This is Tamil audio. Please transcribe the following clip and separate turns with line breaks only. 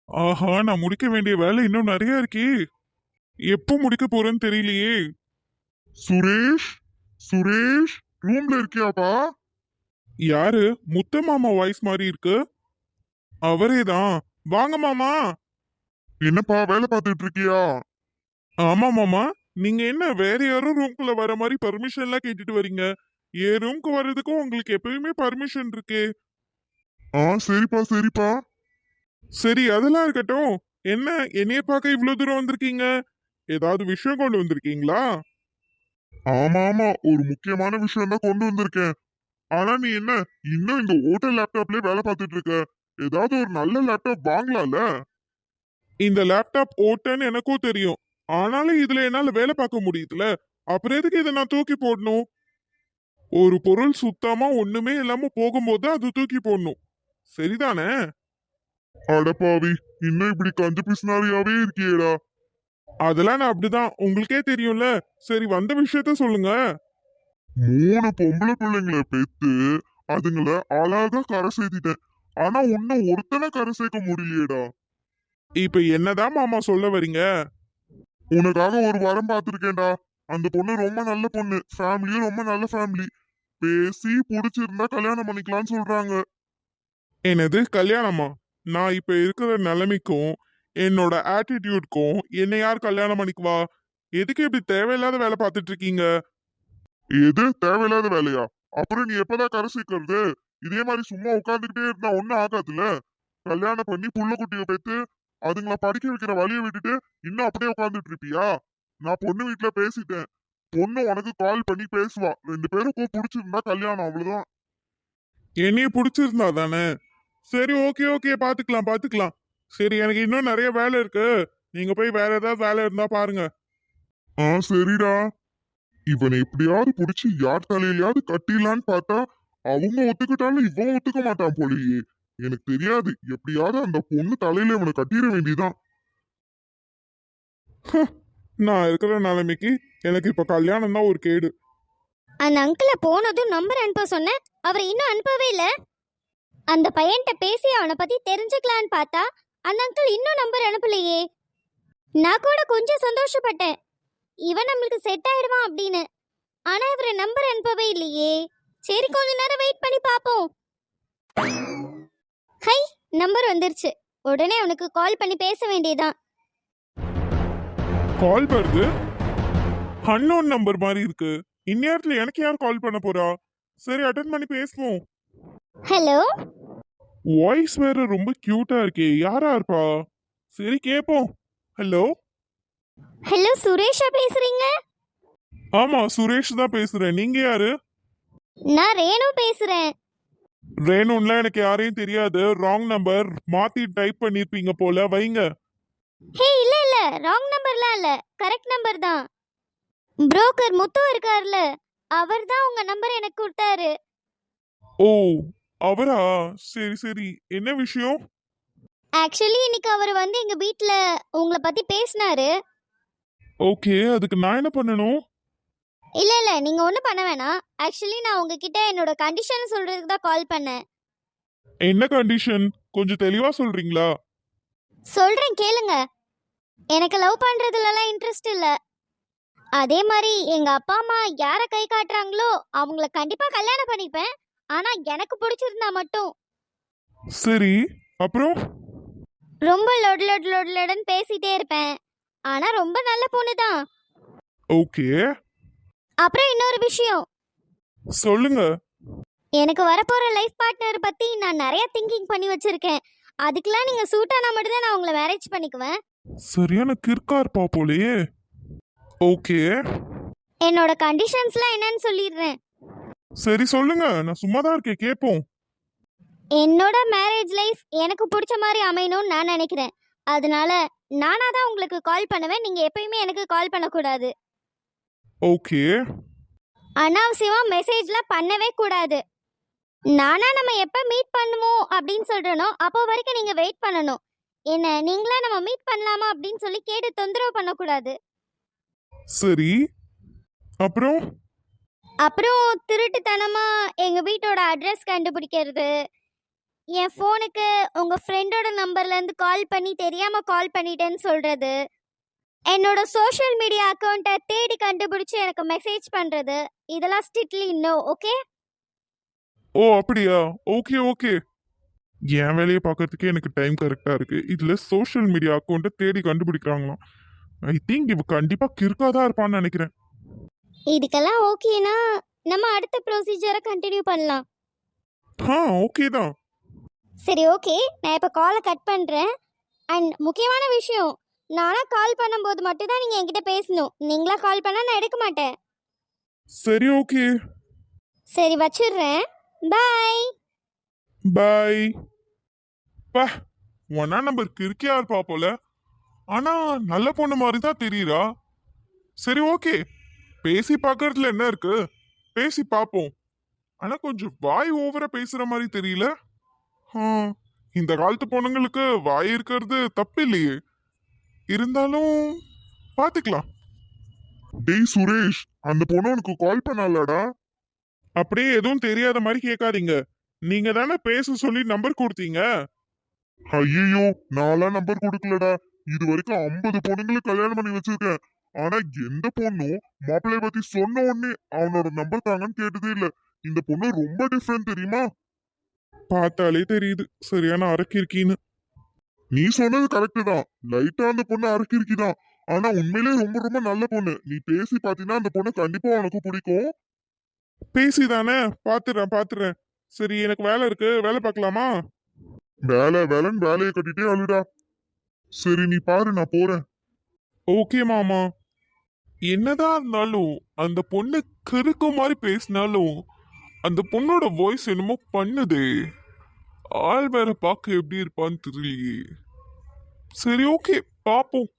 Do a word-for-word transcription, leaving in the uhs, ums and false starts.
ஆஹா, நான் முடிக்க வேண்டிய வேலை இன்னும் நிறைய இருக்கே. எப்போ முடிக்க போறேன்னு தெரியலையே.
சுரேஷ் சுரேஷ் ரூம்ல இருக்கியாப்பா?
யாரு? முத்து மாமா வாய்ஸ் மாதிரி இருக்கு. அவரே தான். வாங்க மாமா.
என்னப்பா வேலை பார்த்துட்டு இருக்கியா?
ஆமா மாமா. நீங்க என்ன வேற யாரும் ரூம்குள்ள வர மாதிரி பர்மிஷன் எல்லாம் கேட்டுட்டு வரீங்க? என் ரூம்க்கு வர்றதுக்கும் உங்களுக்கு எப்பயுமே பர்மிஷன் இருக்கே.
ஆ சரிப்பா சரிப்பா.
சரி, அதெல்லாம் இருக்கட்டும். என்ன, என்னைய பார்க்க இவ்வளவு தூரம் வந்திருக்கீங்க? ஏதாவது விஷயம் கொண்டு வந்திருக்கீங்களா?
ஆமா ஆமா, ஒரு முக்கியமான விஷயம் தான் கொண்டு வந்திருக்கேன். ஆனா நீ என்ன இன்னும் இந்த ஓட்டல் லேப்டாப்லயே வேலை பார்த்துட்டு இருக்க? ஏதாவது ஒரு நல்ல லேப்டாப் வாங்கலாம்ல?
இந்த லேப்டாப் ஓட்டன்னு எனக்கும் தெரியும். ஆனாலும் இதுல என்னால வேலை பார்க்க முடியுதுல. அப்புறம் எதுக்கு இதை நான் தூக்கி போடணும்? ஒரு பொருள் சுத்தமா ஒண்ணுமே இல்லாம போகும்போது அது தூக்கி போடணும். சரிதானே?
அடப்பாவி, இன்னும் இப்படி கஞ்ச பிசினாரியாவே இருக்கியேடா.
அதெல்லாம் நான் அப்படிதான், உங்களுக்கே தெரியும்ல. சரி, வந்த விஷயத்த சொல்லுங்க.
மூணு பொம்பளை பிள்ளைங்களை பெத்து அதுங்கள அழகா கரை சேர்த்திட்டேன். ஆனா உன்னை ஒருத்தனை கரை சேர்க்க முடியலையேடா.
இப்ப என்னதான் மாமா சொல்ல வரீங்க?
உனக்காக ஒரு வாரம் பார்த்திருக்கேன்டா. அந்த பொண்ணு ரொம்ப நல்ல பொண்ணு, ஃபேமிலியும் ரொம்ப நல்ல ஃபேமிலி. பேசி புடிச்சிருந்தா கல்யாணம் பண்ணிக்கலாம்னு சொல்றாங்க.
என்னது கல்யாணமா? நான் இப்ப இருக்கிற நிலைமைக்கும் என்னோட ஆட்டிடியூட்க்கும் என்னை யார் கல்யாணம் பண்ணிக்குவா? எதுக்கு இப்படி தேவையில்லாத வேலை பார்த்துட்டு இருக்கீங்க?
எது தேவையில்லாத வேலையா? அப்புறம் நீ எப்பதான் கரை சேர்க்கறது? இதே மாதிரி சும்மா உட்காந்துக்கிட்டே இருந்தா ஒண்ணும் ஆகாதுல்ல. கல்யாணம் பண்ணி புள்ள குட்டிய பெத்து அதுங்கள படிக்க வைக்கிற வழியை விட்டுட்டு இன்னும் அப்படியே உட்காந்துட்டு இருப்பியா? நான் பொண்ணு வீட்டுல பேசிட்டேன். பொண்ணு உனக்கு கால் பண்ணி பேசுவா. ரெண்டு பேருக்கும் பிடிச்சிருந்தா கல்யாணம், அவ்வளவுதான்.
என்னைய பிடிச்சிருந்தா தானே? சரி, ஓகே ஓகே, பாத்துக்கலாம் பாத்துக்கலாம். சரி, எனக்கு இன்னும் நிறைய வேலை இருக்கு. நீங்க போய் வேற ஏதாவது வேலை இருந்தா பாருங்க.
ஆ சரிடா. இவனை எப்படியாவது புடிச்சு யார் தலையிலயாவது கட்டிடலான்னு பார்த்தா அவங்க ஒத்துக்கிட்டாலும் இவன் ஒத்துக்க மாட்டான் போலயே. எனக்கு தெரியாது, எப்படியாவது அந்த பொண்ணு தலையில இவனை கட்டிட வேண்டியதான்.
நான் இருக்கிற நிலைமைக்கு எனக்கு இப்ப கல்யாணம் தான் ஒரு கேடு.
அந்த அங்கிள போனதும் நம்பர் அனுப்ப சொன்னேன், அவர் இன்னும் அனுப்பவே இல்ல. அந்த பையன்கிட்ட பேசி அவனை பத்தி தெரிஞ்சுக்கலான்னு பார்த்தா அந்த அங்கிள் இன்னும் நம்பர் அனுப்பலையே. நான் கூட கொஞ்சம் சந்தோஷப்பட்டேன், இவன் நம்மளுக்கு செட் ஆயிடுவான் அப்படின்னு. ஆனா இவர் நம்பர் அனுப்பவே இல்லையே. சரி, கொஞ்ச நேரம் வெயிட் பண்ணி பாப்போம். ஹை, நம்பர் வந்துருச்சு. உடனே அவனுக்கு கால் பண்ணி பேச வேண்டியதான்.
கால் வருது. அன்னோன் நம்பர் மாதிரி இருக்கு. இந்நேரத்துல எனக்கு யார் கால் பண்ண போறா? சரி, அட்டன் பண்ணி பேசுவோம்.
ஹலோ.
வாய்ஸ் வேற ரொம்ப கியூட்டா இருக்கே. யாரா இருப்பா? சரி, கேப்போம். ஹலோ.
ஹலோ, சுரேஷா பேசுறீங்க?
ஆமா, சுரேஷ் தான் பேசுறேன். நீங்க யாரு?
நான் ரேணு பேசுறேன்.
ரேணுன்லாம் எனக்கு யாரையும் தெரியாது. ராங் நம்பர் மாத்தி டைப் பண்ணிருப்பீங்க போல. வைங்க.
ஹே, இல்ல இல்ல, ராங் நம்பர்லாம் இல்ல, கரெக்ட் நம்பர் தான். புரோக்கர் முத்து இருக்கார்ல, அவர் தான் உங்க நம்பர் எனக்கு கொடுத்தாரு.
ஓ, அவரா? சரி சரி, என்ன விஷயம்?
ஆக்சுவலி இன்னைக்கு அவர் வந்து எங்க வீட்ல உங்களை பத்தி பேசினாரு.
ஓகே, அதுக்கு நான் என்ன பண்ணணும்?
இல்ல இல்ல, நீங்க ஒண்ணும் பண்ண வேணாம். ஆக்சுவலி நான் உங்ககிட்ட என்னோட கண்டிஷன் சொல்றதுக்கு தான் கால் பண்ணேன்.
என்ன கண்டிஷன்? கொஞ்சம் தெளிவா சொல்றீங்களா?
சொல்றேன் கேளுங்க. எனக்கு லவ் பண்றதுலலாம் இன்ட்ரெஸ்ட் இல்ல. அதே மாதிரி எங்க அப்பா அம்மா யாரை கை காட்டுறாங்களோ அவங்கள கண்டிப்பா கல்யாணம் பண்ணிப்பேன். ஆனா எனக்கு பிடிச்சிருந்தா மட்டும்.
சரி, அப்புறம்?
ரொம்ப லொட் லொட் லொட் லொடன்னு பேசிட்டே இருப்பேன். ஆனா ரொம்ப நல்ல பொண்ணு தான்.
ஓகே,
அப்புறம் இன்னொரு விஷயம்,
சொல்லுங்க.
எனக்கு வரப்போற லைஃப் பார்ட்னர் பத்தி நான் நிறைய திங்கிங் பண்ணி வச்சிருக்கேன். அதுக்கெல்லாம் நீங்க சூட் ஆனா மட்டும் தான் நான் உங்களை மேரேஜ் பண்ணிக்குவேன்.
சரியான கிறுக்கா இருப்பா போலயே. ஓகே,
என்னோட கண்டிஷன்ஸ்லாம் என்னன்னு சொல்லிடுறேன்.
சரி சொல்லுங்க, நான் சும்மா தான் இருக்கேன், கேட்போம்.
என்னோட மேரேஜ் லைஃப் எனக்கு பிடிச்ச மாதிரி அமையணும்னு நான் நினைக்கிறேன். அதனால நானா தான் உங்களுக்கு கால் பண்ணுவேன், நீங்க எப்பயுமே எனக்கு கால் பண்ணக்கூடாது.
ஓகே.
அனாவசியமா மெசேஜ்லாம் பண்ணவே கூடாது. நானா நம்ம எப்ப மீட் பண்ணுவோம் அப்படின்னு சொல்றனோ அப்போ வரைக்கும் நீங்க வெயிட் பண்ணணும். என்ன நீங்களா நம்ம மீட் பண்ணலாமா அப்படின்னு சொல்லி கேட்டு தொந்தரவு பண்ணக்கூடாது.
சரி, அப்புறம்?
அப்புறம் திருட்டுத்தனமா எங்க வீட்டோட அட்ரஸ் கண்டுபிடிக்கிறது, என் ஃபோனுக்கு உங்க ஃப்ரெண்டோட நம்பர்ல இருந்து கால் பண்ணி தெரியாம கால் பண்ணிட்டேன்னு சொல்றது, என்னோட சோஷியல் மீடியா அக்கௌண்ட்டை தேடி கண்டுபிடிச்சு எனக்கு மெசேஜ் பண்றது, இதெல்லாம் ஸ்ட்ரிக்ட்லி நோ. ஓகே?
ஓ அப்படியா? Okay okay. என் வேலையை பார்க்கறதுக்கே எனக்கு டைம் கரெக்டா இருக்கு, இதுல சோஷியல் மீடியா அக்கௌண்ட்டை தேடி கண்டுபிடிக்கிறாங்களாம். ஐ திங்க் இவ கண்டிப்பா கிறுக்காதான் இருப்பான்னு நினைக்கிறேன்.
இதுக்கெல்லாம் ஓகேனா நம்ம அடுத்த ப்ரொசீஜரை கண்டினியூ பண்ணலாம்.
ஆ ஓகே தான்.
சரி ஓகே, நான் இப்போ காலை கட் பண்ணுறேன். அண்ட் முக்கியமான விஷயம், நானா கால் பண்ணும்போது மட்டும் தான் நீங்கள் என்கிட்ட பேசணும். நீங்களா கால் பண்ணால் நான் எடுக்க மாட்டேன்.
சரி ஓகே.
சரி வச்சிடுறேன். பாய்.
பாய். பா, ஒன்னா நம்பர் கிறுக்கியா இருப்பா போல, ஆனா நல்ல பொண்ணு மாதிரி தான் தெரியுறா. சரி ஓகே, பேசி பார்க்கறதுல என்ன இருக்கு, பேசி பார்ப்போம். ஆனா கொஞ்சம் வாய் ஓவரா பேசுற மாதிரி தெரியல. ஆ, இந்த காலத்து பொண்ணுங்களுக்கு வாய் இருக்கிறது தப்பு இல்லையே, இருந்தாலும் பாத்துக்கலாம்.
டேய் சுரேஷ், அந்த பொண்ணு உனக்கு கால் பண்ணாலடா?
அப்படியே எதுவும் தெரியாத மாதிரி கேட்காதீங்க. நீங்க தானே பேச சொல்லி நம்பர் கொடுத்தீங்க.
ஐயோ, நான்லாம் நம்பர் கொடுக்கலடா. இது வரைக்கும் ஐம்பது பொண்ணுங்களுக்கு கல்யாணம் பண்ணி வச்சிருக்கேன். ஆனா எந்த பொண்ணும் மாப்பிள்ளைய பத்தி சொன்ன உடனே அவனோட நம்பர் தாங்கன்னு கேட்டதே இல்ல. இந்த பொண்ணு ரொம்ப டிஃப்ரெண்ட் தெரியுமா?
பார்த்தாலே தெரியுது சரியான அரக்கிருக்கின்னு.
நீ சொன்னது கரெக்ட் தான், லைட்டா அந்த பொண்ணு அரக்கிருக்கிதான். ஆனா உண்மையிலே ரொம்ப ரொம்ப நல்ல பொண்ணு. நீ பேசி பாத்தீங்கன்னா அந்த பொண்ணு கண்டிப்பா உனக்கு பிடிக்கும்.
பேசி தானே, பாத்துறேன் பாத்துறேன். சரி எனக்கு வேலை இருக்கு, வேலை பார்க்கலாமா?
வேலை வேலைன்னு வேலையை கட்டிட்டே அழுடா. சரி நீ பாரு, நான் போறேன்.
ஓகே மாமா. என்னதான் இருந்தாலும் அந்த பொண்ணு கிறுக்கு மாதிரி பேசினாலும் அந்த பொண்ணோட வாய்ஸ் என்னமோ பண்ணுதே. ஆள் வேற பார்க்க எப்படி இருப்பான்னு தெரியலையே. சரி ஓகே, பாப்போம்.